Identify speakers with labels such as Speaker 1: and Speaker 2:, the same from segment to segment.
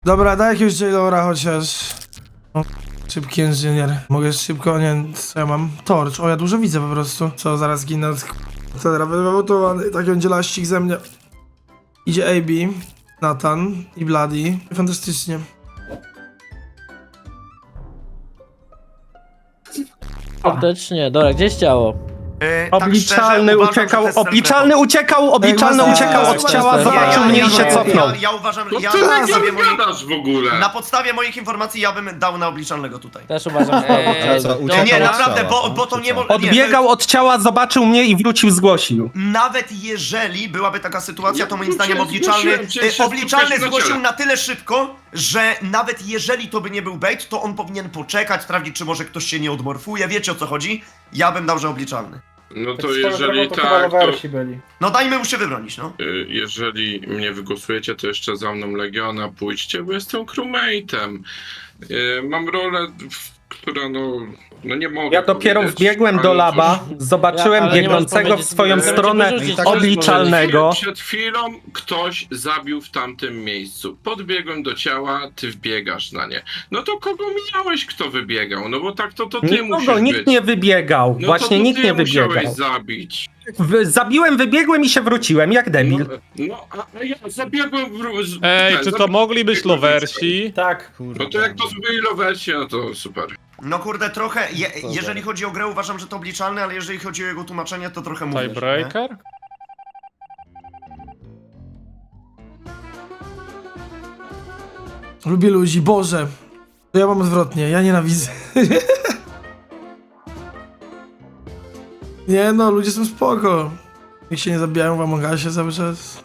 Speaker 1: Dobra, daj jakiegoś Jailora chociaż. O, szybki inżynier. Mogę szybko, nie, co ja mam? Torcz. O, ja dużo widzę po prostu. Co, zaraz ginę od... Teraz będę wywołtowany. Tak będzie laścik ze mnie. Idzie AB, Nathan i Bloody. Fantastycznie.
Speaker 2: Faktycznie, dobra, gdzieś ciało?
Speaker 3: Obliczalny uciekał, obliczalny uciekał od ciała, zobaczył mnie i się cofnął.
Speaker 4: Ja uważam,
Speaker 5: No
Speaker 4: ja
Speaker 5: ty
Speaker 4: na
Speaker 5: tak
Speaker 4: podstawie, moich,
Speaker 5: gadasz w ogóle?
Speaker 4: na podstawie moich informacji ja bym dał na obliczalnego tutaj.
Speaker 2: Też uważam, że
Speaker 4: Nie, naprawdę, bo to nie może...
Speaker 3: Odbiegał od ciała, zobaczył mnie i wrócił, zgłosił.
Speaker 4: Nawet jeżeli byłaby taka sytuacja, to moim zdaniem
Speaker 5: zgłosiłem, przecież
Speaker 4: obliczalny
Speaker 5: spotkaliśmy na
Speaker 4: zgłosił
Speaker 5: ciele.
Speaker 4: na tyle szybko, że nawet jeżeli to by nie był bait, to on powinien poczekać, sprawdzić, czy może ktoś się nie odmorfuje, wiecie o co chodzi? Ja bym dał, że obliczalny.
Speaker 5: No to jeżeli tak, to...
Speaker 4: No dajmy mu się wybronić, no.
Speaker 5: Jeżeli mnie wygłosujecie, to jeszcze za mną Legiona pójdźcie, bo jestem crewmate'em. Mam rolę, która no nie mogę
Speaker 3: Ja dopiero
Speaker 5: powiedzieć,
Speaker 3: wbiegłem
Speaker 5: ale
Speaker 3: do
Speaker 5: cóż,
Speaker 3: laba, zobaczyłem
Speaker 2: ale nie
Speaker 3: biegnącego
Speaker 2: możesz
Speaker 3: w swoją
Speaker 2: powiedzieć,
Speaker 3: stronę
Speaker 2: wyrzucić,
Speaker 3: obliczalnego.
Speaker 5: Przed chwilą ktoś zabił w tamtym miejscu. Podbiegłem do ciała, ty wbiegasz na nie. No to kogo miałeś, kto wybiegał? No bo tak to ty
Speaker 3: Nikogo,
Speaker 5: musisz
Speaker 3: nikt
Speaker 5: być.
Speaker 3: nie wybiegał.
Speaker 5: No
Speaker 3: Właśnie
Speaker 5: to
Speaker 3: nikt
Speaker 5: ty
Speaker 3: nie wybiegał.
Speaker 5: musiałeś zabić.
Speaker 3: Zabiłem, wybiegłem i się wróciłem, jak debil.
Speaker 5: A ja zabiegłem
Speaker 6: Ej, czy to mogli być lowersi?
Speaker 7: Tak.
Speaker 5: No to jak to byli lowersi, no to super.
Speaker 4: No kurde, trochę, jeżeli chodzi o grę, uważam, że to obliczalny, ale jeżeli chodzi o jego tłumaczenie, to trochę mówię.
Speaker 6: Tiebreaker?
Speaker 1: Lubię ludzi, Boże. To ja mam odwrotnie, ja nienawidzę. Nie no, ludzie są spoko. Niech się nie zabijają w Among Usie cały czas.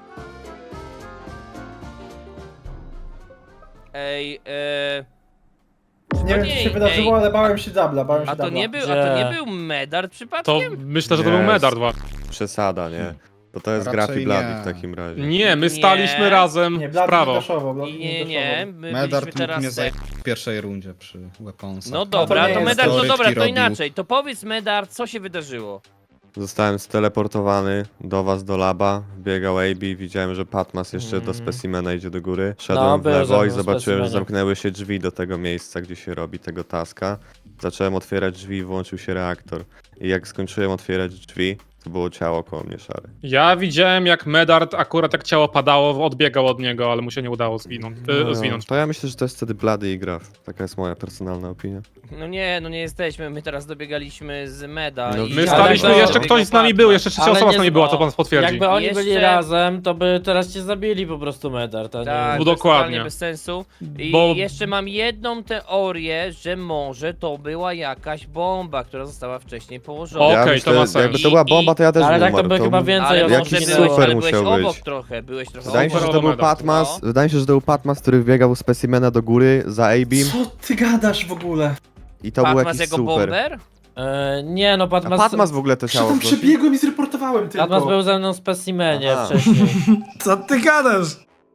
Speaker 8: Ej,
Speaker 7: Nie wiem, co się wydarzyło, ale bałem się dubla,
Speaker 8: a to nie był Medard
Speaker 6: To
Speaker 8: przypadkiem?
Speaker 6: myślę, że to
Speaker 9: Nie.
Speaker 6: był Medard.
Speaker 9: Przesada, nie? To jest
Speaker 10: Raczej
Speaker 9: Grafi Bloody
Speaker 10: nie.
Speaker 9: w takim razie.
Speaker 6: Nie, my staliśmy razem
Speaker 7: Nie,
Speaker 6: w
Speaker 7: Blady
Speaker 6: prawo.
Speaker 7: daszowo, Blady
Speaker 8: Nie, my
Speaker 10: Medard
Speaker 8: byliśmy
Speaker 10: mógł
Speaker 8: teraz...
Speaker 10: mnie zająć w pierwszej rundzie przy Weaponsach.
Speaker 8: No dobra,
Speaker 7: nie
Speaker 8: to
Speaker 7: jest
Speaker 8: Medard, no
Speaker 10: to.
Speaker 8: dobra, to
Speaker 10: Rybki
Speaker 8: inaczej. To powiedz Medard, co się wydarzyło?
Speaker 9: Zostałem steleportowany do was, do laba. Biegał AB, widziałem, że Patmas jeszcze do specimena idzie do góry. Szedłem w
Speaker 2: był
Speaker 9: lewo
Speaker 2: ze
Speaker 9: i
Speaker 2: mną
Speaker 9: zobaczyłem, że
Speaker 2: specimenie.
Speaker 9: zamknęły się drzwi do tego miejsca, gdzie się robi tego taska. Zacząłem otwierać drzwi i włączył się reaktor. I jak skończyłem otwierać drzwi, to było ciało koło mnie szare.
Speaker 6: Ja widziałem, jak Medard akurat jak ciało padało, odbiegał od niego, ale mu się nie udało zwinąć.
Speaker 9: To ja myślę, że to jest wtedy Bloody i Graf. Taka jest moja personalna opinia.
Speaker 8: No nie jesteśmy, my teraz dobiegaliśmy z Meda
Speaker 9: No,
Speaker 8: i...
Speaker 6: My
Speaker 9: Ale
Speaker 6: staliśmy,
Speaker 9: to-
Speaker 6: jeszcze ktoś z nami był, jeszcze trzecia
Speaker 2: Ale
Speaker 6: osoba z
Speaker 2: nie
Speaker 6: nami była, co pan potwierdzi.
Speaker 2: Jakby oni byli
Speaker 8: Jeszcze-
Speaker 2: razem, to by teraz cię zabili po prostu Medard, a nie...
Speaker 8: Tak,
Speaker 6: No
Speaker 8: to jest
Speaker 6: dokładnie.
Speaker 8: totalnie bez sensu. I
Speaker 6: Bo-
Speaker 8: jeszcze mam jedną teorię, że może to była jakaś bomba, która została wcześniej położona.
Speaker 6: Okej, to ma sens.
Speaker 9: Jakby to była bomba, to ja też
Speaker 2: Ale
Speaker 9: bym
Speaker 2: tak to
Speaker 9: umarł.
Speaker 2: by chyba więcej
Speaker 8: Ale
Speaker 2: osób
Speaker 8: może
Speaker 9: jakiś
Speaker 8: byłeś,
Speaker 9: super
Speaker 8: ale byłeś
Speaker 9: musiał
Speaker 8: obok
Speaker 9: być.
Speaker 8: trochę, byłeś trochę
Speaker 9: Wydaje mi się,
Speaker 8: obok.
Speaker 9: że to był
Speaker 6: Medal.
Speaker 9: Patmas.
Speaker 8: No.
Speaker 9: Wydaje mi się, że to był Patmas, który wbiegał z specimena do góry za A-beam
Speaker 7: Co ty gadasz w ogóle?
Speaker 9: i to był
Speaker 8: Patmas
Speaker 9: jakiś
Speaker 8: jako
Speaker 9: super.
Speaker 8: bomber?
Speaker 2: Nie no,
Speaker 9: A
Speaker 2: Patmas...
Speaker 9: Patmas w ogóle to
Speaker 7: Przecież
Speaker 9: ciało
Speaker 7: tam
Speaker 9: zgłosił?
Speaker 7: przebiegłem i zreportowałem tylko.
Speaker 2: Patmas był ze mną w specimenie
Speaker 9: Aha.
Speaker 2: wcześniej.
Speaker 1: Co ty gadasz?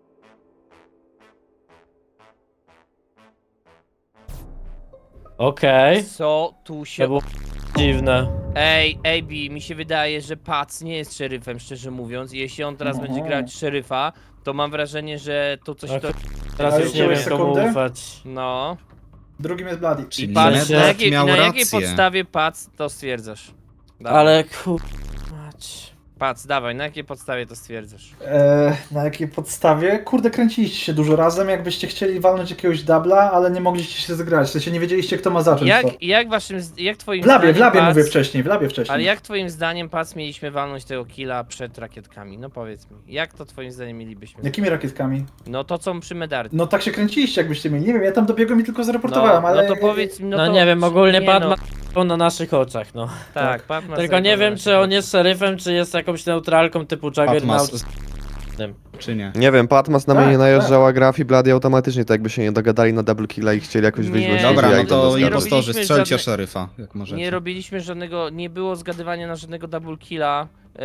Speaker 2: Okej,
Speaker 8: Co tu
Speaker 2: to
Speaker 8: się...
Speaker 2: było dziwne.
Speaker 8: Ej, AB, mi się wydaje, że Pac nie jest szeryfem, szczerze mówiąc. I jeśli on teraz będzie grać szeryfa, to mam wrażenie, że to coś
Speaker 2: Ach.
Speaker 8: to...
Speaker 2: Teraz
Speaker 7: Ale
Speaker 2: już nie wiem
Speaker 7: wziąłeś
Speaker 2: komu
Speaker 7: sekundę?
Speaker 2: ufać.
Speaker 8: No.
Speaker 7: Drugim jest Bloody.
Speaker 8: I
Speaker 10: Czyli
Speaker 8: patrz,
Speaker 10: Medard miał
Speaker 8: na jakiej
Speaker 10: rację.
Speaker 8: podstawie Pac to stwierdzasz? Dawaj.
Speaker 2: Ale mać.
Speaker 8: Pac, dawaj, na jakiej podstawie to stwierdzasz?
Speaker 7: Na jakiej podstawie? Kurde, kręciliście się dużo razem, jakbyście chcieli walnąć jakiegoś dubla, ale nie mogliście się zgrać. W sensie nie wiedzieliście, kto ma zacząć to.
Speaker 8: Jak twoim
Speaker 7: W labie
Speaker 8: zdaniem Pac,
Speaker 7: mówię wcześniej, w labie wcześniej.
Speaker 8: Ale jak twoim zdaniem Pac mieliśmy walnąć tego killa przed rakietkami? No powiedz mi, jak to twoim zdaniem mielibyśmy?
Speaker 7: Jakimi rakietkami?
Speaker 8: No to co przy Medardzie.
Speaker 7: No tak się kręciliście, jakbyście mieli. Nie wiem, ja tam dobiegłem i tylko zreportowałem, ale...
Speaker 8: No to powiedz mi,
Speaker 2: No,
Speaker 8: to...
Speaker 2: nie wiem, ogólnie
Speaker 8: nie,
Speaker 2: Patmas był na naszych oczach, no.
Speaker 8: Tak, Patmas...
Speaker 2: Tylko nie wiem, czy on jest szeryfem, czy jest jakąś neutralką typu Juggernaut.
Speaker 10: Patmas, czy nie?
Speaker 9: Nie wiem, Patmas na mnie
Speaker 7: Tak,
Speaker 9: nie najeżdżał, a Graf i Bloody automatycznie, tak jakby się nie dogadali na double killa i chcieli jakoś wyjść
Speaker 8: Nie,
Speaker 9: z
Speaker 10: Dobra,
Speaker 9: ja
Speaker 10: no
Speaker 9: ich
Speaker 10: to
Speaker 9: zgadzam.
Speaker 10: impostorzy,
Speaker 8: robiliśmy
Speaker 10: strzelcie
Speaker 8: żadne-
Speaker 10: szeryfa, jak możecie.
Speaker 8: Nie robiliśmy żadnego, nie było zgadywania na żadnego double killa.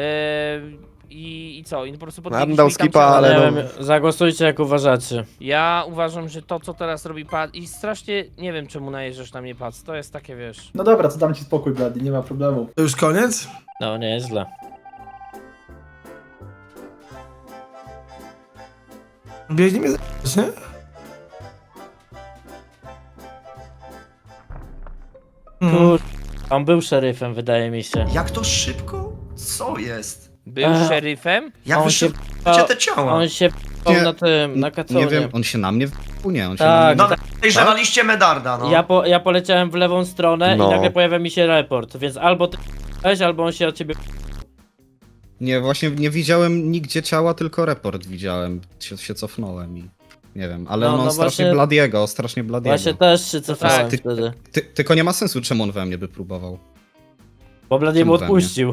Speaker 8: I co? I po prostu
Speaker 9: bym
Speaker 8: podbiegliśmy
Speaker 9: dał
Speaker 8: i tam
Speaker 9: skipa,
Speaker 8: trzeba-
Speaker 9: ale
Speaker 2: Nie
Speaker 9: no-
Speaker 2: wiem, zagłosujcie jak uważacie.
Speaker 8: Ja uważam, że to co teraz robi Pat i strasznie nie wiem czemu najeżdżasz na mnie Pat, to jest takie wiesz.
Speaker 7: No dobra, to dam ci spokój, Bloody, nie ma problemu.
Speaker 1: To już koniec?
Speaker 2: No, nie jest źle.
Speaker 1: Biegnie mnie z***ć, nie?
Speaker 2: Kur... On był szeryfem, wydaje mi się.
Speaker 4: Jak to szybko? Co jest?
Speaker 8: Był szeryfem?
Speaker 4: Jak
Speaker 2: On
Speaker 4: wy
Speaker 2: się
Speaker 4: szybko te ciała?
Speaker 2: On się
Speaker 10: Nie,
Speaker 2: na tym, na kaconie.
Speaker 10: Nie wiem, on się na mnie nie, on się
Speaker 2: Tak.
Speaker 10: na
Speaker 4: No,
Speaker 10: mnie...
Speaker 4: podejrzewaliście Medarda, no.
Speaker 2: Ja poleciałem w lewą stronę
Speaker 9: No.
Speaker 2: i nagle pojawia mi się report, więc albo ty albo on się od ciebie...
Speaker 10: Nie, właśnie nie widziałem nigdzie ciała, tylko report widziałem. Się cofnąłem i... Nie wiem, ale
Speaker 2: No,
Speaker 10: no,
Speaker 2: no
Speaker 10: strasznie
Speaker 2: właśnie-
Speaker 10: Bladiego, strasznie Bladiego.
Speaker 2: Właśnie też się cofałem
Speaker 10: Ty-
Speaker 2: wtedy.
Speaker 10: Tylko nie ma sensu, czemu on we mnie by próbował.
Speaker 2: Bo Blady mu
Speaker 10: Czemu we mnie?
Speaker 2: odpuścił.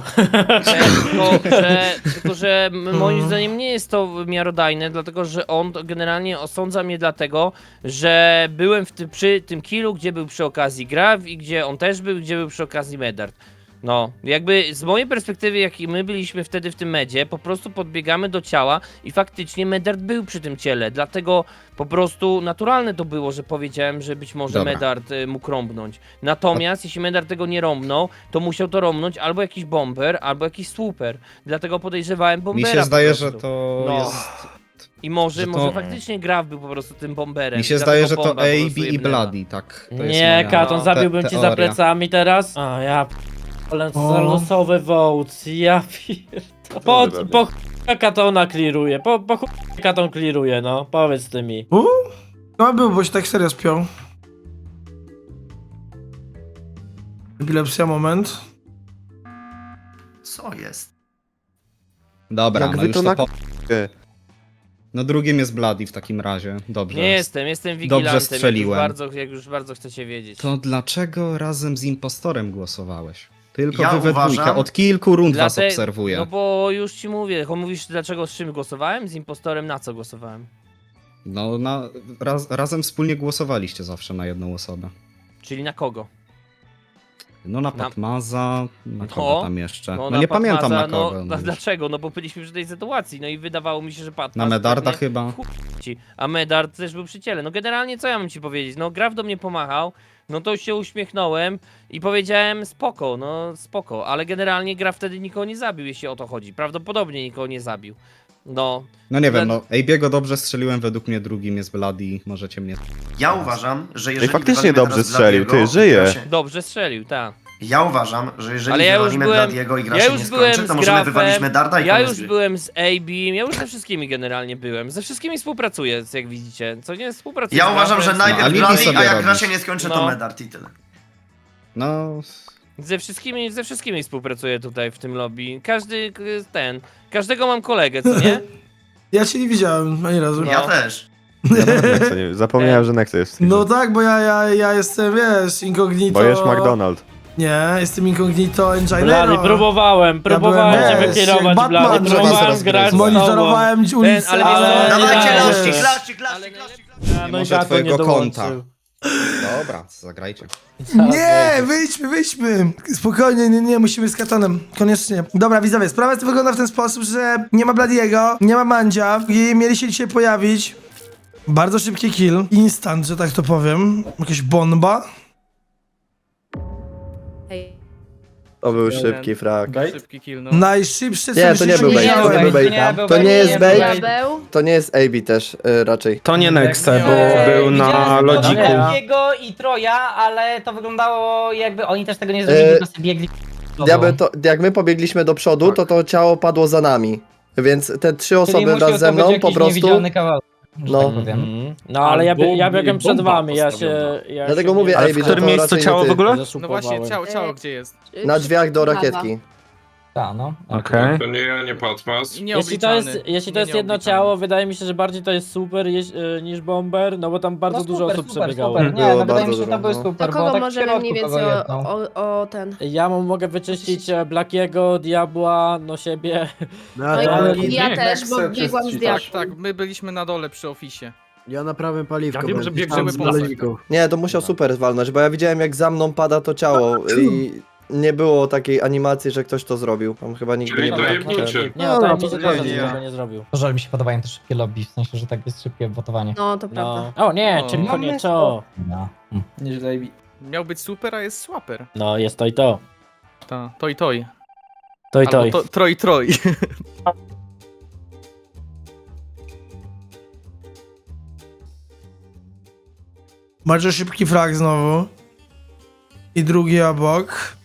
Speaker 8: Tylko, że moim zdaniem nie jest to miarodajne, dlatego że on generalnie osądza mnie dlatego, że byłem przy tym killu, gdzie był przy okazji Grav i gdzie on też był, gdzie był przy okazji Medard. No, jakby z mojej perspektywy, jak i my byliśmy wtedy w tym medzie, po prostu podbiegamy do ciała i faktycznie Medard był przy tym ciele, dlatego po prostu naturalne to było, że powiedziałem, że być może
Speaker 10: Dobra.
Speaker 8: Medard mógł rąbnąć. Natomiast jeśli Medard tego nie rąbnął, to musiał to rąbnąć albo jakiś bomber, albo jakiś swooper. Dlatego podejrzewałem
Speaker 10: Mi
Speaker 8: bombera.
Speaker 10: się
Speaker 8: po
Speaker 10: zdaje,
Speaker 8: prostu.
Speaker 10: że to
Speaker 8: No.
Speaker 10: jest...
Speaker 8: I może
Speaker 10: że to-
Speaker 8: może faktycznie Grav był po prostu tym bomberem.
Speaker 10: Mi się
Speaker 8: dlatego
Speaker 10: zdaje, że to
Speaker 8: bomba po prostu
Speaker 10: AB i
Speaker 8: jebnęła.
Speaker 10: Bloody, tak. To jest
Speaker 2: Nie,
Speaker 10: moja
Speaker 2: Katon, zabiłbym ci za
Speaker 10: teoria.
Speaker 2: plecami teraz. A ja p***le, za losowy vote, ja pierdolę. Po chuj Katona kliruje, po chuj Katon kliruje, no, powiedz ty mi.
Speaker 1: No był, bo się tak serio spiął. Epilepsja, moment.
Speaker 4: Co jest?
Speaker 10: Dobra,
Speaker 9: Jak
Speaker 10: no
Speaker 9: wy
Speaker 10: już
Speaker 9: to
Speaker 10: to
Speaker 9: na-
Speaker 10: po... No drugim jest Bloody w takim razie. Dobrze.
Speaker 8: Nie jestem wigilantem,
Speaker 10: strzeliłem.
Speaker 8: jak już bardzo chcecie wiedzieć.
Speaker 10: To dlaczego razem z impostorem głosowałeś? Tylko
Speaker 4: Ja
Speaker 10: wy we
Speaker 4: uważam-
Speaker 10: dwójkę. Od kilku rund was
Speaker 8: Dlate-
Speaker 10: obserwuję.
Speaker 8: No bo już ci mówię, mówisz dlaczego z czym głosowałem? Z impostorem na co głosowałem?
Speaker 10: No, razem wspólnie głosowaliście zawsze na jedną osobę.
Speaker 8: Czyli na kogo?
Speaker 10: No na
Speaker 8: Na-
Speaker 10: Patmaza, na kogo
Speaker 8: No,
Speaker 10: tam jeszcze? No,
Speaker 8: na
Speaker 10: nie pamiętam na
Speaker 8: Patmaza,
Speaker 10: kogo.
Speaker 8: No, dlaczego? No bo byliśmy przy tej sytuacji, no i wydawało mi się, że Patmaz...
Speaker 10: Na Medarda
Speaker 8: pewnie
Speaker 10: chyba.
Speaker 8: w chuj ci, a Medard też był przy ciele. No generalnie co ja mam ci powiedzieć? No Graf do mnie pomachał, no to się uśmiechnąłem i powiedziałem spoko, no spoko, ale generalnie Graf wtedy nikogo nie zabił, jeśli o to chodzi. Prawdopodobnie nikogo nie zabił. No,
Speaker 10: No nie wiem,
Speaker 8: Dla-
Speaker 10: no AB'ego dobrze strzeliłem, według mnie drugim jest Bloody, możecie mnie...
Speaker 4: Ja uważam, że jeżeli
Speaker 9: faktycznie
Speaker 4: wywalimy
Speaker 9: dobrze
Speaker 4: teraz
Speaker 9: strzelił,
Speaker 4: Bladiego
Speaker 9: ty, żyje.
Speaker 4: i gra się-
Speaker 8: dobrze strzelił, tak.
Speaker 4: Ja uważam, że jeżeli
Speaker 8: Ale ja już
Speaker 4: wywalimy
Speaker 8: byłem-
Speaker 4: Bladiego i gra
Speaker 8: ja
Speaker 4: się
Speaker 8: już
Speaker 4: nie
Speaker 8: byłem
Speaker 4: skończy, to
Speaker 8: z
Speaker 4: możemy
Speaker 8: Grafem,
Speaker 4: wywalić Medarda i
Speaker 8: Ja
Speaker 4: koniec
Speaker 8: już
Speaker 4: gry.
Speaker 8: byłem z AB, ja już ze wszystkimi generalnie byłem. Ze wszystkimi współpracuję, jak widzicie. Co nie współpracuję.
Speaker 4: Ja
Speaker 8: z
Speaker 4: uważam, że
Speaker 8: Grafem,
Speaker 10: No,
Speaker 4: najpierw
Speaker 10: alibi
Speaker 4: Bladi,
Speaker 10: sobie
Speaker 4: a jak
Speaker 10: robisz.
Speaker 4: gra się nie skończy, to
Speaker 8: No.
Speaker 4: Medard i tyle.
Speaker 10: No...
Speaker 8: Ze wszystkimi współpracuję tutaj w tym lobby. Każdego mam kolegę, co nie?
Speaker 1: Ja cię nie widziałem ani razu.
Speaker 4: Ja też.
Speaker 9: Ja nawet Nexa nie... Zapomniałem, że Nexa jest w
Speaker 1: No
Speaker 9: teamie.
Speaker 1: tak, bo ja jestem, wiesz, incognito...
Speaker 9: Bo jest McDonald.
Speaker 1: Nie, jestem incognito
Speaker 2: Blady,
Speaker 1: engineero.
Speaker 2: próbowałem cię
Speaker 1: wiesz,
Speaker 2: wykierować,
Speaker 1: jak
Speaker 2: Blady,
Speaker 1: Batman,
Speaker 2: próbowałem
Speaker 10: zaraz
Speaker 2: grać z tobą.
Speaker 1: Monitorowałem ulicę,
Speaker 8: ale
Speaker 1: ale...
Speaker 4: Dawajcie
Speaker 2: nie,
Speaker 4: laszki,
Speaker 2: wiesz.
Speaker 4: klaszczyk.
Speaker 2: No i
Speaker 10: może
Speaker 2: Katon
Speaker 10: twojego
Speaker 2: nie dołączył.
Speaker 10: konta. Dobra, zagrajcie.
Speaker 1: Nie, wyjdźmy. Spokojnie, nie, musimy z Katonem. Koniecznie. Dobra, widzowie, sprawa wygląda w ten sposób, że nie ma Bladiego, nie ma Mandzia i mieli się dzisiaj pojawić. Bardzo szybki kill. Instant, że tak to powiem. Jakaś bomba.
Speaker 11: To był szybki frag.
Speaker 7: Szybki kill, no.
Speaker 1: Najszybsze, co
Speaker 11: Nie, to nie był bait, to nie był bait. To nie jest bait, to nie jest AB też raczej.
Speaker 3: To nie Nexe,
Speaker 7: Nie.
Speaker 3: bo był na lodziku.
Speaker 12: Jego i Troja, ale to wyglądało jakby oni też tego nie zrobili, tylko sobie biegli.
Speaker 11: Jak my pobiegliśmy do przodu, to ciało padło za nami. Więc te trzy osoby wraz ze mną po prostu... No.
Speaker 2: No ale ja
Speaker 6: Albo
Speaker 2: biegłem przed
Speaker 6: bomba
Speaker 2: wami, ja
Speaker 6: postawiona.
Speaker 2: się... Ja
Speaker 11: Dlatego
Speaker 2: się
Speaker 11: mówię,
Speaker 2: nie-
Speaker 11: AB,
Speaker 3: Ale w którym
Speaker 11: to
Speaker 3: miejscu
Speaker 11: raczej nie
Speaker 3: ciało
Speaker 11: ty.
Speaker 3: w ogóle?
Speaker 7: No właśnie, ciało gdzie jest?
Speaker 11: Na drzwiach do rakietki.
Speaker 12: Tak, no.
Speaker 3: Okej.
Speaker 5: To nie ja, nie Patmas.
Speaker 2: Jeśli to jest jedno ciało, wydaje mi się, że bardziej to jest super niż bomber, no bo tam bardzo dużo osób przebiegało.
Speaker 12: Super. Nie,
Speaker 11: Było
Speaker 12: no wydaje
Speaker 11: bardzo
Speaker 12: mi się, że to
Speaker 11: dużo,
Speaker 12: był
Speaker 11: no.
Speaker 12: super,
Speaker 13: To
Speaker 12: bo
Speaker 13: kogo
Speaker 12: tak w
Speaker 13: możemy
Speaker 12: środku
Speaker 13: mniej
Speaker 12: kogo
Speaker 13: więcej
Speaker 12: jedną.
Speaker 13: o ten...
Speaker 2: Ja mogę wyczyścić Blackiego, Diabła, no siebie.
Speaker 13: No i ja też, bo biegłam z diabłem.
Speaker 7: Tak, my byliśmy na dole przy ofisie.
Speaker 11: Ja naprawię paliwko.
Speaker 6: Ja wiem, że biegniemy po lasach.
Speaker 11: Nie, to musiał super walnąć, bo ja widziałem jak za mną pada to ciało i nie było takiej animacji, że ktoś to zrobił. Tam chyba nigdy
Speaker 5: Czyli
Speaker 11: nie było.
Speaker 5: dojebniczy.
Speaker 2: Nie, no to mi się
Speaker 11: to
Speaker 2: też
Speaker 11: nie.
Speaker 2: tego nie zrobił.
Speaker 12: Że mi się podobają te szybkie lobby, w sensie, że tak jest szybkie wotowanie.
Speaker 13: No, to prawda.
Speaker 2: No. O nie,
Speaker 7: No.
Speaker 2: tylko nie to.
Speaker 12: No.
Speaker 7: Nieźle. Miał być super, a jest swaper.
Speaker 2: No, jest to i to.
Speaker 7: To i toj.
Speaker 2: To i to.
Speaker 7: Albo troj.
Speaker 1: Bardzo szybki frag znowu. i drugi obok.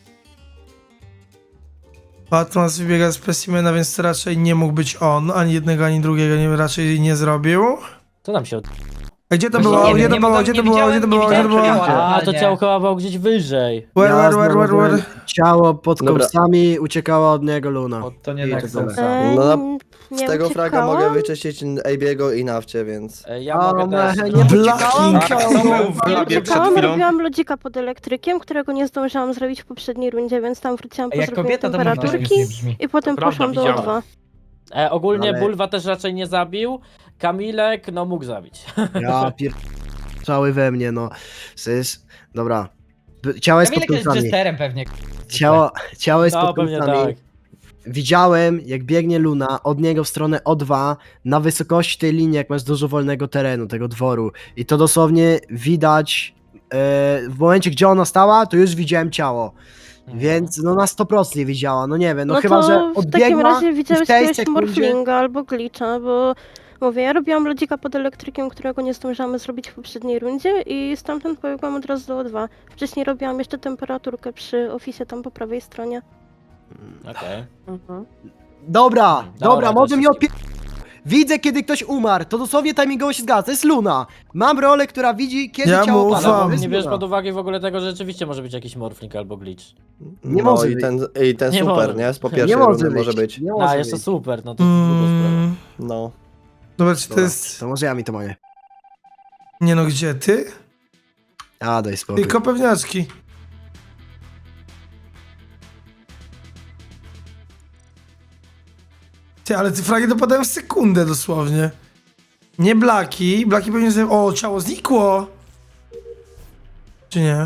Speaker 1: Patmas wybiega z specimena, więc to raczej nie mógł być on. Ani jednego, ani drugiego raczej nie zrobił.
Speaker 2: Co tam się
Speaker 1: A gdzie to
Speaker 12: Właśnie
Speaker 1: było?
Speaker 12: nie
Speaker 1: Gdzie
Speaker 12: wiem,
Speaker 1: to
Speaker 12: nie
Speaker 1: było?
Speaker 12: mogłem-
Speaker 1: Gdzie to
Speaker 12: nie
Speaker 1: było? Gdzie to
Speaker 12: widziałem-
Speaker 1: było?
Speaker 12: nie
Speaker 1: Gdzie to było?
Speaker 12: widziałem ciała.
Speaker 2: A, to
Speaker 12: nie.
Speaker 2: ciało chyba było gdzieś wyżej.
Speaker 1: Where?
Speaker 3: Ciało pod
Speaker 11: Dobra.
Speaker 3: kąsami uciekała od niego Luna.
Speaker 7: To nie tak
Speaker 3: tyle.
Speaker 11: No, z
Speaker 13: nie
Speaker 11: tego fraga
Speaker 13: uciekałam.
Speaker 11: mogę wyczyścić AB'ego i Nawcie, więc...
Speaker 2: Ja mogę też.
Speaker 3: nie
Speaker 1: Blacking.
Speaker 13: Uciekałam, robiłam lodzika pod elektrykiem, którego nie zdążyłam zrobić w poprzedniej rundzie, więc tam wróciłam po
Speaker 12: Jak
Speaker 13: zrobieniu
Speaker 12: kobieta to
Speaker 13: temperaturki i potem
Speaker 6: prawda,
Speaker 13: poszłam do
Speaker 6: widziałem.
Speaker 13: O2.
Speaker 2: Ogólnie
Speaker 3: Ale-
Speaker 2: Bulwa też raczej nie zabił. Kamilek, no mógł zabić.
Speaker 3: Ja cały we mnie, no. Dobra. Ciało jest pod
Speaker 12: Kamilek jest
Speaker 3: kąsami.
Speaker 12: jesterem pewnie.
Speaker 3: Ciało jest
Speaker 2: No
Speaker 3: pod
Speaker 2: pewnie
Speaker 3: kąsami.
Speaker 2: tak.
Speaker 3: Widziałem, jak biegnie Luna od niego w stronę O2 na wysokości tej linii, jak masz dużo wolnego terenu, tego dworu. I to dosłownie widać w momencie, gdzie ona stała, to już widziałem ciało. Więc no na 100% nie widziała, no nie wiem, no,
Speaker 13: No
Speaker 3: chyba,
Speaker 13: to
Speaker 3: że
Speaker 13: w takim
Speaker 3: odbiegła
Speaker 13: razie
Speaker 3: i
Speaker 13: widziałeś
Speaker 3: w tej
Speaker 13: jakiegoś
Speaker 3: sekundzie...
Speaker 13: morflinga albo glitcha, bo mówię, ja robiłam lodzika pod elektrykiem, którego nie zdążyłam zrobić w poprzedniej rundzie i stamtąd pobiegłam od razu do O2. Wcześniej robiłam jeszcze temperaturkę przy oficie tam po prawej stronie.
Speaker 2: Okej.
Speaker 3: Dobra,
Speaker 2: Dobra,
Speaker 3: może
Speaker 2: to
Speaker 3: mi opie... Widzę, kiedy ktoś umarł, to dosłownie timingowo się zgadza, to jest Luna. Mam rolę, która widzi, kiedy
Speaker 1: Ja
Speaker 3: ciało
Speaker 1: mu
Speaker 3: pada.
Speaker 1: ufam.
Speaker 3: to jest
Speaker 2: Nie bierz
Speaker 3: Luna.
Speaker 2: pod uwagę w ogóle tego, że rzeczywiście może być jakiś morfling albo glitch.
Speaker 3: Nie
Speaker 11: No
Speaker 3: może
Speaker 11: i
Speaker 3: być.
Speaker 11: ten
Speaker 2: Nie
Speaker 11: super,
Speaker 2: może
Speaker 11: nie? Z po
Speaker 2: być.
Speaker 11: pierwszej
Speaker 3: Nie
Speaker 11: rundy
Speaker 3: może
Speaker 11: może
Speaker 3: być.
Speaker 11: być.
Speaker 3: Nie
Speaker 2: A,
Speaker 3: może
Speaker 2: jeszcze
Speaker 3: być.
Speaker 2: super, no to druga sprawa.
Speaker 11: No.
Speaker 1: Dobra, czy to
Speaker 3: Dobra,
Speaker 1: jest...
Speaker 3: to może ja mi to mogę.
Speaker 1: Nie no, gdzie ty?
Speaker 3: A, daj spokój.
Speaker 1: Tylko pewniaczki. Ty, ale te fragi dopadają w sekundę dosłownie. Nie Blaki. Blaki pewnie sobie... O, ciało znikło! Czy nie?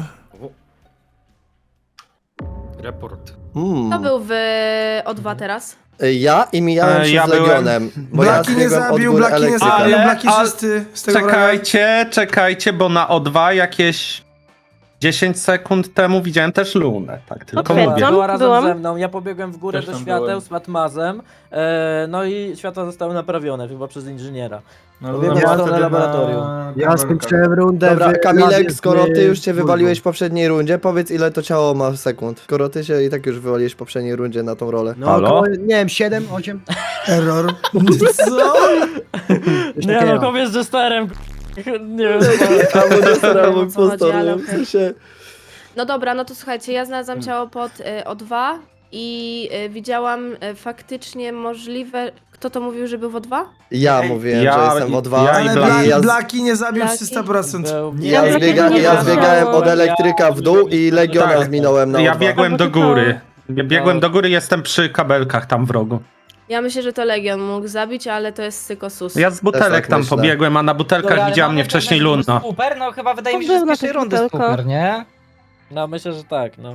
Speaker 6: Report.
Speaker 13: Kto był w O2 teraz?
Speaker 11: Ja i mijałem się
Speaker 3: ja
Speaker 11: z
Speaker 3: byłem-
Speaker 11: Legionem, bo ja
Speaker 1: Blaki nie
Speaker 11: zbiegłem od
Speaker 1: zabił,
Speaker 11: góry
Speaker 1: Blaki nie
Speaker 11: elektryka.
Speaker 1: zabił,
Speaker 3: Ale-
Speaker 1: Blaki
Speaker 3: ale-
Speaker 1: czysty z tego fraga.
Speaker 3: Czekajcie, bo na O2 jakieś 10 sekund temu widziałem też Lunę, tak tylko
Speaker 13: Potwierdzam.
Speaker 3: mówię.
Speaker 2: Była razem
Speaker 13: byłam.
Speaker 2: ze mną, ja pobiegłem w górę
Speaker 6: Też
Speaker 2: do
Speaker 6: tam
Speaker 2: świateł
Speaker 6: byłem.
Speaker 2: z Matmazem, no i światła zostały naprawione, chyba przez inżyniera.
Speaker 7: No,
Speaker 2: Pobiegłem
Speaker 3: ja
Speaker 2: w stronę laboratorium.
Speaker 3: Ja skończyłem rundę
Speaker 11: Dobra,
Speaker 3: w labie
Speaker 11: Kamilek, skoro ty już się
Speaker 3: w
Speaker 11: wywaliłeś w poprzedniej rundzie, powiedz ile to ciało ma sekund. Skoro ty się i tak już wywaliłeś w poprzedniej rundzie na tą rolę.
Speaker 3: No około, nie wiem, 7, 8.
Speaker 1: Error. Co?
Speaker 2: Nie no, kobiet z jesterem, nie wiem.
Speaker 11: Albo Jester, albo
Speaker 13: o co chodzi,
Speaker 11: impostor,
Speaker 13: ale
Speaker 11: w
Speaker 13: okej.
Speaker 11: sensie...
Speaker 13: No dobra, no to słuchajcie, ja znalazłam ciało pod O2 i widziałam faktycznie możliwe... Kto to mówił, że był w O2?
Speaker 11: Ja mówiłem, że jestem w O2,
Speaker 3: ja
Speaker 1: Ale
Speaker 3: i
Speaker 1: Blaki,
Speaker 11: ja,
Speaker 1: Blaki nie zabił
Speaker 13: Blaki.
Speaker 1: 300%.
Speaker 11: ja,
Speaker 13: Ja
Speaker 11: ja zbiegałem od elektryka w dół i Legiona
Speaker 3: Tak.
Speaker 11: zminąłem na
Speaker 3: Ja
Speaker 11: O2.
Speaker 3: biegłem do
Speaker 13: Albo
Speaker 3: góry. Biegłem do góry, jestem przy kabelkach tam w rogu.
Speaker 13: Ja myślę, że to Legion mógł zabić, ale to jest psykosus.
Speaker 3: Ja z butelek
Speaker 11: tak
Speaker 3: tam
Speaker 11: myślę.
Speaker 3: pobiegłem, a na butelkach
Speaker 12: Dobra, ale
Speaker 3: widziała
Speaker 12: mamy
Speaker 3: mnie wcześniej
Speaker 12: pewnego
Speaker 3: Luna.
Speaker 12: Super, no chyba wydaje mi się,
Speaker 13: To
Speaker 12: że z
Speaker 13: był na
Speaker 12: pierwszej
Speaker 13: tych
Speaker 12: rundy
Speaker 13: butelkach.
Speaker 12: super, nie?
Speaker 2: No myślę, że tak, no.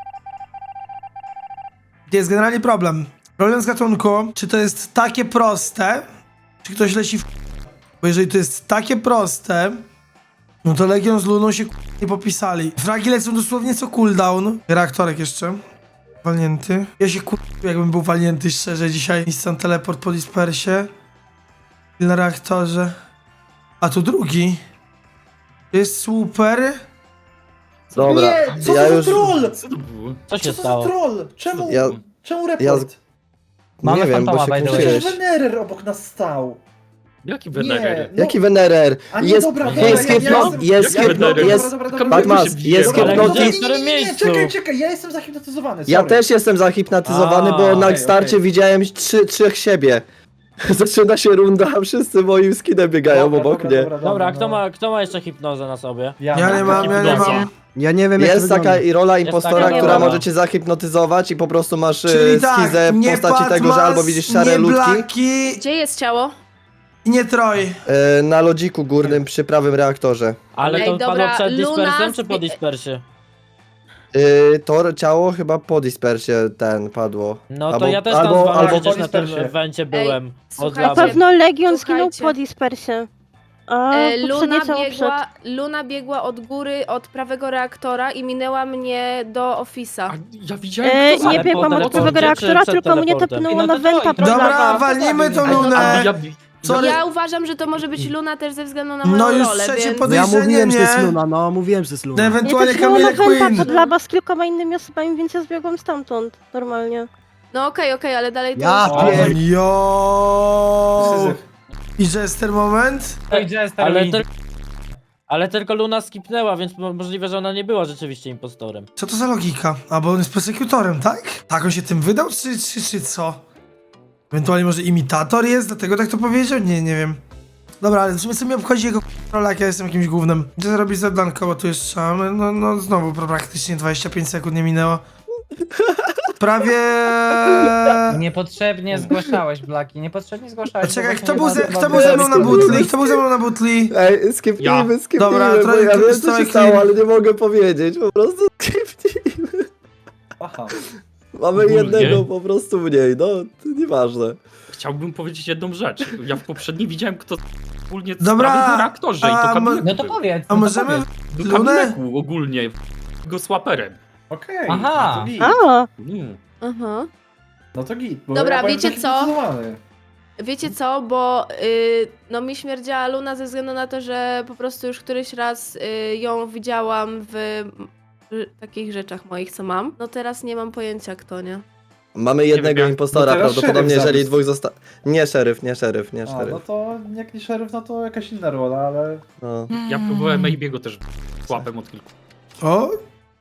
Speaker 1: Jest generalnie problem. Problem z gatunku, czy to jest takie proste, czy ktoś leci w... Bo jeżeli to jest takie proste, no to Legion z Luną się nie popisali. Fragi lecą dosłownie co cooldown. Reaktorek jeszcze. Walnięty. Ja się jakbym był walnięty szczerze dzisiaj. Instant teleport po dispersie. I na reaktorze. A tu drugi. To jest super.
Speaker 11: Dobra,
Speaker 7: Nie, co
Speaker 11: ja
Speaker 7: to
Speaker 11: już...
Speaker 7: za troll?
Speaker 2: Co się
Speaker 7: Co to za
Speaker 2: stało?
Speaker 7: troll? Czemu?
Speaker 11: Ja,
Speaker 7: Czemu
Speaker 11: ja
Speaker 7: report?
Speaker 12: Mamy
Speaker 11: nie wiem, bo
Speaker 12: fantoma,
Speaker 11: się
Speaker 12: by the way.
Speaker 11: kłóciłeś.
Speaker 7: Przecież Venerer obok nas stał.
Speaker 6: Jaki
Speaker 7: Nie,
Speaker 6: Venerer?
Speaker 7: no.
Speaker 11: Jaki Venerer?
Speaker 7: A nie,
Speaker 11: Jest,
Speaker 7: dobra,
Speaker 11: jest
Speaker 7: dobra,
Speaker 11: hypno,
Speaker 7: ja
Speaker 11: jest
Speaker 6: Jaki
Speaker 11: hypno,
Speaker 6: Venerer?
Speaker 11: jest... Batmas, jest
Speaker 2: Ale
Speaker 11: hypnotyz...
Speaker 2: gdzie? W którym miejscu?
Speaker 7: Czekaj, ja jestem zahipnotyzowany,
Speaker 11: Ja
Speaker 7: sorry.
Speaker 11: też jestem zahipnotyzowany, bo na
Speaker 7: okej,
Speaker 11: starcie
Speaker 7: okej.
Speaker 11: widziałem trzech siebie. Zaczyna się runda, a wszyscy moim skinem biegają obok mnie.
Speaker 2: Dobra, kto ma jeszcze hipnozę na sobie?
Speaker 1: Ja nie mam, ja nie mam.
Speaker 3: Ja nie wiem, jak
Speaker 11: Jest
Speaker 3: to
Speaker 11: taka
Speaker 3: wygląda.
Speaker 11: i rola
Speaker 2: Jest
Speaker 11: impostora,
Speaker 2: taka
Speaker 11: która
Speaker 2: rola.
Speaker 11: może cię zahipnotyzować i po prostu masz
Speaker 1: Czyli tak,
Speaker 11: schizę w
Speaker 1: nie
Speaker 11: postaci tego, że
Speaker 1: Patmas,
Speaker 11: albo widzisz szare
Speaker 1: nie
Speaker 11: ludki
Speaker 1: Blaki
Speaker 13: Gdzie jest ciało?
Speaker 1: i nie Troj.
Speaker 11: na lodziku górnym przy prawym reaktorze.
Speaker 2: Ale
Speaker 13: Ej,
Speaker 2: to
Speaker 13: dobra,
Speaker 2: padło przed
Speaker 13: Luna
Speaker 2: dispersem czy po
Speaker 13: zbie-
Speaker 2: dispersie?
Speaker 11: To ciało chyba po dispersie padło.
Speaker 2: No to
Speaker 11: Albo-
Speaker 2: ja też tam
Speaker 11: albo-
Speaker 2: z wami
Speaker 11: albo
Speaker 2: przecież
Speaker 7: po
Speaker 2: na tym
Speaker 7: dispersie.
Speaker 2: evencie byłem. Od
Speaker 13: słuchajcie, Na
Speaker 2: lawy.
Speaker 13: pewno
Speaker 14: Legion
Speaker 13: Słuchajcie.
Speaker 14: zginął po dispersie. A
Speaker 13: Luna biegła od góry, od prawego reaktora i minęła mnie do Office'a.
Speaker 6: Ja widziałem, kto
Speaker 2: Ale po teleporcie czy przed teleportem?
Speaker 14: mnie tepnęło
Speaker 12: No to
Speaker 14: na wenta
Speaker 12: to-
Speaker 14: pod
Speaker 1: Dobra,
Speaker 14: lawę.
Speaker 1: walnijmy tą
Speaker 6: A
Speaker 1: Lunę.
Speaker 6: ja,
Speaker 1: Sorry.
Speaker 14: Ja uważam, że to może być Luna też ze względu na moją
Speaker 1: No już
Speaker 14: rolę,
Speaker 1: trzecie
Speaker 14: więc...
Speaker 3: No ja
Speaker 1: podejrzenie,
Speaker 3: mówiłem, że to jest
Speaker 1: nie?
Speaker 3: Luna, no mówiłem, że to jest Luna.
Speaker 1: Ewentualnie
Speaker 13: Ja też byłam
Speaker 1: Kamila
Speaker 13: na węta
Speaker 1: Queen.
Speaker 13: pod laba z kilkoma innymi osobami, więc ja zbiegłam stamtąd, normalnie.
Speaker 14: No okej, ale dalej to
Speaker 3: Ja
Speaker 14: jest...
Speaker 3: pier...
Speaker 1: Jo. I Jester moment?
Speaker 2: Ale tylko Luna skipnęła, więc możliwe, że ona nie była rzeczywiście impostorem.
Speaker 1: Co to za logika? A bo on jest prosekutorem, tak? Tak on się tym wydał, czy co? Ewentualnie może imitator jest, dlatego tak to powiedział? Nie wiem. Dobra, ale w sumie co mi obchodzi jego rola, jak ja jestem jakimś gównem. Gdzie zrobić zadanko, bo tu jeszcze mamy, no znowu praktycznie 25 sekund nie minęło. Prawie...
Speaker 12: Niepotrzebnie zgłaszałeś, Blaki, niepotrzebnie zgłaszałeś.
Speaker 1: A czekaj, kto był ze mną na butli? Kto był ze mną na butli?
Speaker 11: Ej, skipnijmy,
Speaker 1: Dobra,
Speaker 11: bo
Speaker 1: trochę
Speaker 11: ja wiem co
Speaker 1: trochę
Speaker 11: się stało, ale nie mogę powiedzieć, po prostu skipnijmy.
Speaker 7: Aha.
Speaker 11: Mamy
Speaker 6: Ogólnie.
Speaker 11: jednego po prostu mniej, no, to nieważne.
Speaker 6: Chciałbym powiedzieć jedną rzecz. Ja w poprzedniej widziałem, kto ogólnie
Speaker 1: Dobra,
Speaker 6: sprawił na reaktorze i to
Speaker 1: a
Speaker 6: Kamilek
Speaker 12: No to powiedz.
Speaker 1: A możemy...
Speaker 6: był
Speaker 1: Lunę?
Speaker 6: Kamileku ogólnie, go słaperem.
Speaker 7: Okej,
Speaker 12: Aha.
Speaker 7: no to git.
Speaker 13: A,
Speaker 14: Aha.
Speaker 7: No to git, bo
Speaker 14: Dobra,
Speaker 7: ja byłem
Speaker 14: wiecie co?
Speaker 7: zahipnotyzowany.
Speaker 14: Wiecie co, bo no mi śmierdziała Luna ze względu na to, że po prostu już któryś raz ją widziałam w takich rzeczach moich, co mam. No teraz nie mam pojęcia kto, nie?
Speaker 11: Mamy
Speaker 6: wiem,
Speaker 11: jednego
Speaker 6: jak-
Speaker 11: impostora,
Speaker 7: no teraz
Speaker 11: prawdopodobnie
Speaker 7: szeryf
Speaker 11: jeżeli
Speaker 7: zabił.
Speaker 11: dwóch zostało... Nie szeryf, nie szeryf.
Speaker 7: A, no to jak nie szeryf, no to jakaś inna rola, ale...
Speaker 11: No.
Speaker 6: Ja próbowałem Maybiego też łapem od kilku.
Speaker 1: O?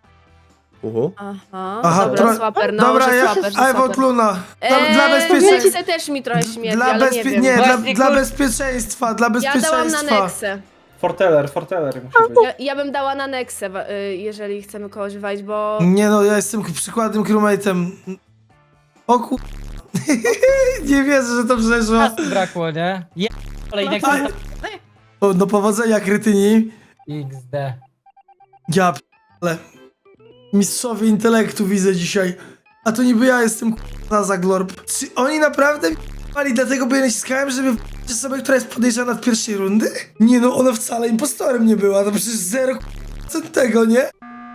Speaker 14: Aha, dobra,
Speaker 1: tro-
Speaker 14: swaper, no,
Speaker 1: Dobra,
Speaker 14: że
Speaker 1: ja...
Speaker 14: swaper, że
Speaker 1: I vote
Speaker 14: swaper.
Speaker 1: Luna. Dla bezpieczeństwa.
Speaker 14: Nexę też mi trochę śmierdzi, ale nie wiem.
Speaker 1: Dla bezpieczeństwa, dla
Speaker 14: Ja dałam na
Speaker 1: bezpieczeństwa.
Speaker 14: Nexę.
Speaker 7: Forteller musi być.
Speaker 14: Ja bym dała na Nexę, jeżeli chcemy kogoś walić, bo...
Speaker 1: Nie no, ja jestem przykładnym crewmate'em. O ku... Nie wierzę, że to przeszło.
Speaker 12: Brakło, nie? Kolejny
Speaker 1: O, do powodzenia, krytyni.
Speaker 12: XD.
Speaker 1: Ja ale mistrzowie intelektu widzę dzisiaj. A to niby ja jestem na Zaglorb. Czy oni naprawdę mali dlatego, bo ja naciskałem, żeby w osobę, która jest podejrzana od pierwszej rundy? Nie no, ona wcale impostorem nie była, to przecież 0% tego, nie?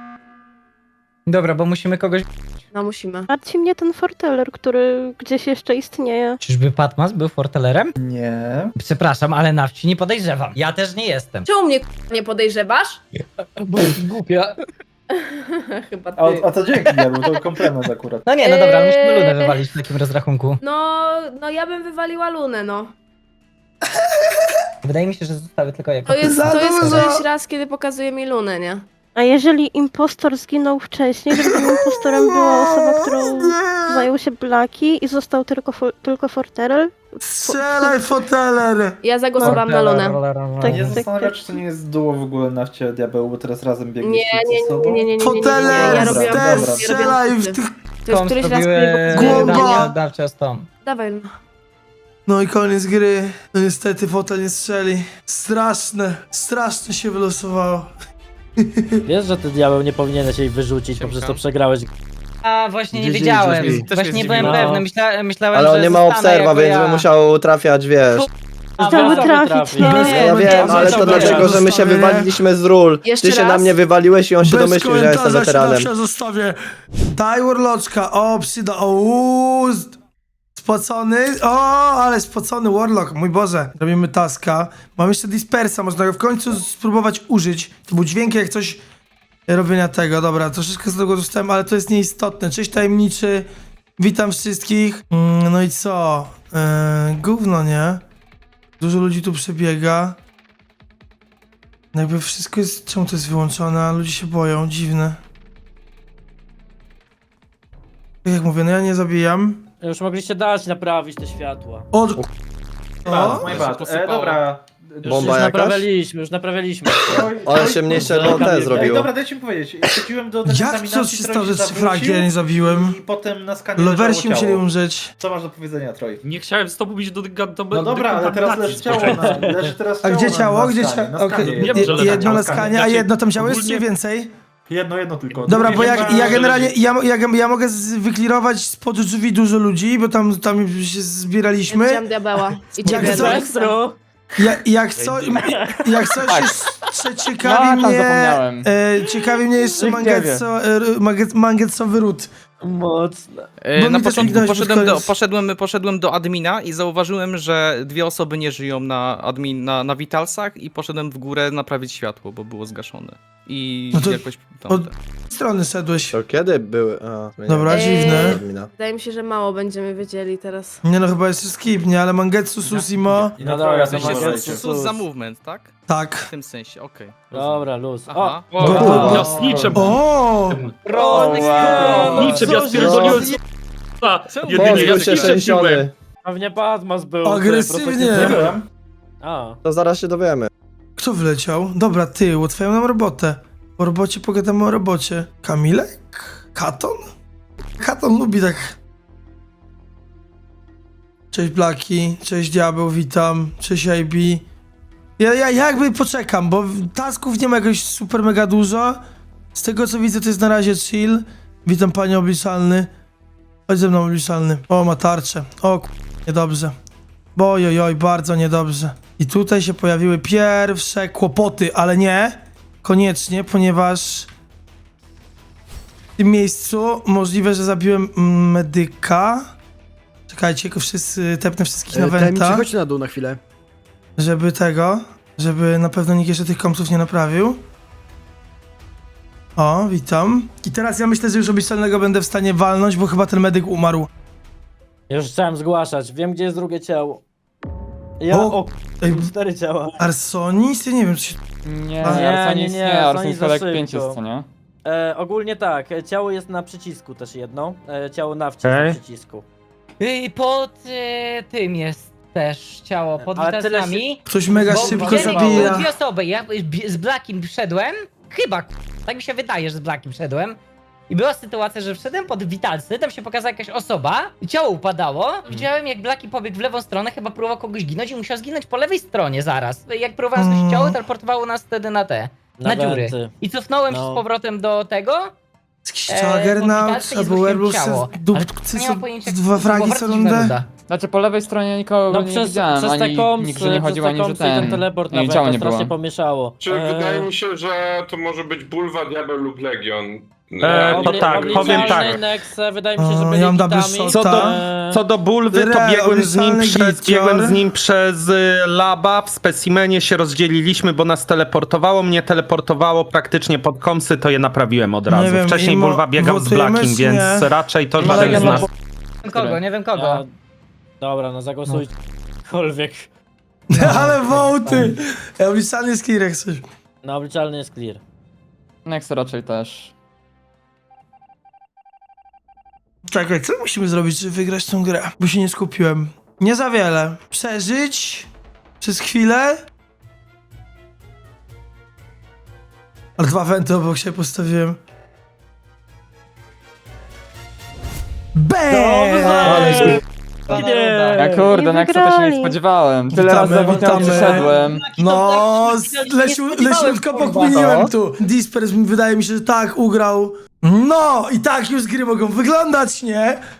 Speaker 12: Dobra, bo musimy kogoś...
Speaker 14: No musimy.
Speaker 13: martwi mnie ten forteller, który gdzieś jeszcze istnieje.
Speaker 12: Czyżby Patmas był fortelerem?
Speaker 7: Nie.
Speaker 12: Przepraszam, ale na wsi nie podejrzewam. Ja też nie jestem.
Speaker 14: Czemu mnie nie podejrzewasz?
Speaker 12: Bo jest głupia.
Speaker 14: Chyba ty.
Speaker 7: A to dzięki, ja był to komplement akurat.
Speaker 12: No nie, no dobra, ale musimy Lunę wywalić w takim rozrachunku.
Speaker 14: No ja bym wywaliła Lunę, no.
Speaker 12: Wydaje mi się, że zostały tylko jako...
Speaker 14: To jest
Speaker 1: dużo.
Speaker 14: któryś raz, kiedy pokazuje mi Lunę, nie?
Speaker 13: A jeżeli impostor zginął wcześniej, żeby tym impostorem była osoba, którą zajął się Blaki i został tylko forteller?
Speaker 1: Strzelaj, foteler!
Speaker 14: Ja zagłosowałam na Lunę.
Speaker 13: Tak,
Speaker 7: Nie
Speaker 13: tak,
Speaker 7: zastanawiam,
Speaker 13: tak.
Speaker 7: czy to nie jest duo w ogóle na wcie diabeł, bo teraz razem biegli
Speaker 14: Nie.
Speaker 1: Foteler,
Speaker 14: Ja robiłam-
Speaker 1: też
Speaker 14: ja
Speaker 1: strzelaj
Speaker 14: robiłam
Speaker 1: w tych...
Speaker 14: To jest któryś raz, kiedy
Speaker 1: Głowa.
Speaker 14: pokazuje mi
Speaker 12: Dawcie z Tom.
Speaker 14: Dawaj, Luna.
Speaker 1: No i koniec gry. No niestety fotel nie strzeli. Straszne się wylosowało.
Speaker 2: Wiesz, że ty diabeł nie powinieneś jej wyrzucić, bo przez to przegrałeś.
Speaker 12: A właśnie nie
Speaker 6: Wiedzieli,
Speaker 12: wiedziałem.
Speaker 6: też mnie
Speaker 12: Właśnie nie byłem
Speaker 2: zdziwiło.
Speaker 12: pewny. Myślałem,
Speaker 11: Ale
Speaker 12: że
Speaker 11: on nie ma
Speaker 12: zostanę
Speaker 11: obserwa,
Speaker 12: jako
Speaker 11: więc
Speaker 12: ja.
Speaker 11: by musiał trafiać, wiesz.
Speaker 13: Chciałby trafić,
Speaker 12: Nie,
Speaker 13: no.
Speaker 12: nie,
Speaker 11: Ja wiem, ale to dlatego, że my się wywaliliśmy z ról.
Speaker 14: Jeszcze
Speaker 11: Ty się
Speaker 14: raz?
Speaker 11: na mnie wywaliłeś i on się
Speaker 1: Bez
Speaker 11: domyślił, że ja jestem
Speaker 1: komentarza się
Speaker 11: weteranem.
Speaker 1: zawsze zostawię. Daj Warloczka. O, przyda. Spocony. O, ale spocony Warlock. Mój Boże. Robimy taska. Mam jeszcze dispersa. Można go w końcu spróbować użyć. To był dźwięk jak coś robienia tego. Dobra, troszeczkę z tego dostałem, ale to jest nieistotne. Cześć tajemniczy. Witam wszystkich. No i co? Gówno, nie? Dużo ludzi tu przebiega. Jakby wszystko jest... Czemu to jest wyłączone? A ludzie się boją. Dziwne. Tak jak mówię, no ja nie zabijam.
Speaker 2: Już mogliście dać naprawić te światła.
Speaker 1: O,
Speaker 7: My bad. Dobra.
Speaker 11: Bomba jakaś?
Speaker 2: Już naprawialiśmy.
Speaker 11: Ale się mniejsze no te
Speaker 7: Ej,
Speaker 11: zrobiło.
Speaker 7: dobra, dajcie mi powiedzieć. Chodziłem do
Speaker 1: jak
Speaker 7: dekontaminacji,
Speaker 1: co się
Speaker 7: Troy
Speaker 1: stało, że
Speaker 7: zawrócił
Speaker 1: fragi ja nie zabiłem?
Speaker 7: I potem na skanie
Speaker 1: Lowersi
Speaker 7: leżało
Speaker 1: musieli
Speaker 7: ciało.
Speaker 1: umrzeć.
Speaker 7: Co masz do powiedzenia, Troy?
Speaker 6: Nie chciałem z tobą iść do
Speaker 7: No dobra, ale teraz leży ciało na... Leży teraz
Speaker 1: A
Speaker 7: ciało
Speaker 1: gdzie
Speaker 7: na-
Speaker 1: ciało?
Speaker 7: na
Speaker 1: Gdzie
Speaker 7: skanie,
Speaker 1: ciało?
Speaker 7: na
Speaker 1: Okej,
Speaker 7: skanie.
Speaker 6: Wiem, że leży
Speaker 1: jedno
Speaker 6: ciało
Speaker 1: na
Speaker 6: w skanie.
Speaker 1: skanie, a
Speaker 6: Znaczy,
Speaker 1: jedno tam ciało jest czy
Speaker 6: ogólnie-
Speaker 1: więcej?
Speaker 7: Jedno tylko.
Speaker 1: Dobra,
Speaker 7: Drugie
Speaker 1: bo
Speaker 7: nie ma,
Speaker 1: ja
Speaker 7: że
Speaker 1: generalnie,
Speaker 7: leży-
Speaker 1: ja mogę wyklirować spod drzwi dużo ludzi, bo tam się zbieraliśmy.
Speaker 14: Widziałam diabeła. I ciebie,
Speaker 1: co?
Speaker 14: Nexa.
Speaker 1: Jak coś jeszcze ciekawi mnie jeszcze mangetsowy ród.
Speaker 2: Mocne.
Speaker 1: Bo
Speaker 15: Na
Speaker 1: mi też
Speaker 15: początku
Speaker 1: kliknąłeś pod koniec.
Speaker 15: poszedłem do admina i zauważyłem, że 2 osoby nie żyją na Vitalsach i poszedłem w górę naprawić światło, bo było zgaszone. I
Speaker 1: No to
Speaker 15: jakoś...
Speaker 1: od strony szedłeś.
Speaker 11: To kiedy były?
Speaker 1: Dobra, dziwne.
Speaker 14: Wydaje mi się, że mało będziemy wiedzieli teraz.
Speaker 1: Nie no, chyba jeszcze skip, nie? Ale Mangetsu Susimo...
Speaker 2: No dobra, to
Speaker 15: sensie
Speaker 2: Mangetsu
Speaker 15: sus za movement, tak?
Speaker 1: Tak.
Speaker 15: W tym sensie, okej.
Speaker 2: Dobra, luz.
Speaker 15: Aha.
Speaker 6: Jasnicze,
Speaker 1: O!
Speaker 6: Niczym ja spierdoliłem
Speaker 11: Pozbył się szczęściony.
Speaker 2: Pewnie Padmas był.
Speaker 1: Agresywnie.
Speaker 7: Nie byłem.
Speaker 2: A.
Speaker 11: To zaraz się dowiemy.
Speaker 1: Kto wleciał? Dobra, ty, ułatwiają nam robotę. O robocie pogadamy o robocie. Kamilek? Katon? Katon lubi tak... Cześć Blaki, cześć Diabeł, witam. Cześć IB. Ja jakby poczekam, bo tasków nie ma jakoś super mega dużo. Z tego co widzę to jest na razie chill. Witam panie obliczalny. Chodź ze mną obliczalny. O, ma tarczę. O, niedobrze. Ojojoj, bardzo niedobrze. I tutaj się pojawiły pierwsze kłopoty, ale nie koniecznie, ponieważ w tym miejscu możliwe, że zabiłem medyka. Czekajcie, tylko wszyscy, tepnę wszystkich na
Speaker 3: Tajemniczy,
Speaker 1: wenta,
Speaker 3: chodź na dół na chwilę.
Speaker 1: żeby na pewno nikt jeszcze tych kompsów nie naprawił. O, witam. I teraz ja myślę, że już obliczalnego będę w stanie walnąć, bo chyba ten medyk umarł.
Speaker 2: Już chciałem zgłaszać. Wiem, gdzie jest drugie ciało. Ja
Speaker 1: O, ej,
Speaker 2: 4 ciała.
Speaker 1: Arsonis? Ja nie wiem, czy się...
Speaker 2: Nie,
Speaker 6: Arsonis
Speaker 2: za
Speaker 6: Felek
Speaker 2: szybko.
Speaker 6: 5 jest, co nie?
Speaker 2: Ogólnie tak, ciało jest na przycisku też jedno. Ciało na na przycisku.
Speaker 12: Pod tym jest też ciało, pod
Speaker 2: Ale tyle
Speaker 12: witalsami.
Speaker 1: Ktoś mega szybko
Speaker 12: Były
Speaker 1: zabija.
Speaker 12: 2 osoby, ja z Blackiem wszedłem, chyba, tak mi się wydaje, że z Blackiem wszedłem. I była sytuacja, że wszedłem pod witalsy, tam się pokazała jakaś osoba, ciało upadało. Widziałem jak Blacki pobiegł w lewą stronę, chyba próbował kogoś ginąć i musiał zginąć po lewej stronie zaraz. Jak próbowałem zgłosić ciało, teleportowało nas wtedy na dziury.
Speaker 2: wenty.
Speaker 12: I cofnąłem się z powrotem do tego.
Speaker 1: Jakiś Juggernaut albo Werewolf dupcy
Speaker 12: nie
Speaker 1: są
Speaker 12: mam pojęcia,
Speaker 1: 2 fragi co rundę.
Speaker 6: Znaczy po lewej stronie nikogo
Speaker 2: No
Speaker 6: nie
Speaker 2: przez
Speaker 6: widziałem,
Speaker 2: te
Speaker 6: ani
Speaker 2: kompsy,
Speaker 6: nikt, że nie chodził, ani że
Speaker 2: ten teleport na
Speaker 6: ani ciała
Speaker 2: wentę
Speaker 6: nie było.
Speaker 2: strasznie pomieszało.
Speaker 5: Czy wydaje mi się, że to może być Bulwa, Diabeł lub Legion.
Speaker 16: To tak, powiem tak.
Speaker 2: Nexe, wydaje mi się, że
Speaker 1: O,
Speaker 2: byli
Speaker 1: ja mam double
Speaker 2: kitami.
Speaker 1: shota.
Speaker 16: Co do Bulwy, to biegłem z nim przez laba, w specimenie się rozdzieliliśmy, bo nas teleportowało, mnie teleportowało praktycznie pod komsy, to je naprawiłem od razu.
Speaker 1: wiem,
Speaker 16: Wcześniej
Speaker 1: Imo,
Speaker 16: Bulwa biegał z
Speaker 1: głosujemy,
Speaker 16: Blackim,
Speaker 1: czy
Speaker 16: więc
Speaker 1: nie?
Speaker 16: raczej to
Speaker 12: Nie
Speaker 16: żaden z nas.
Speaker 12: wiem kogo, nie wiem kogo.
Speaker 2: Dobra, no zagłosujcie. Kolwiek.
Speaker 1: Ale wołty! Obliczalny jest clear jak coś.
Speaker 2: No, obliczalny jest clear.
Speaker 6: Nex raczej też.
Speaker 1: Czekaj, co musimy zrobić, żeby wygrać tą grę? Bo się nie skupiłem. Nie za wiele. Przeżyć przez chwilę. Ale 2 wenty obok się postawiłem. BAM!
Speaker 6: Ja kurde, Nexa też się nie spodziewałem. Tyle razy za Witam przyszedłem.
Speaker 1: No, leciutko pokminiłem tu. Dispers wydaje mi się, że tak ugrał. No, i tak już gry mogą wyglądać, nie?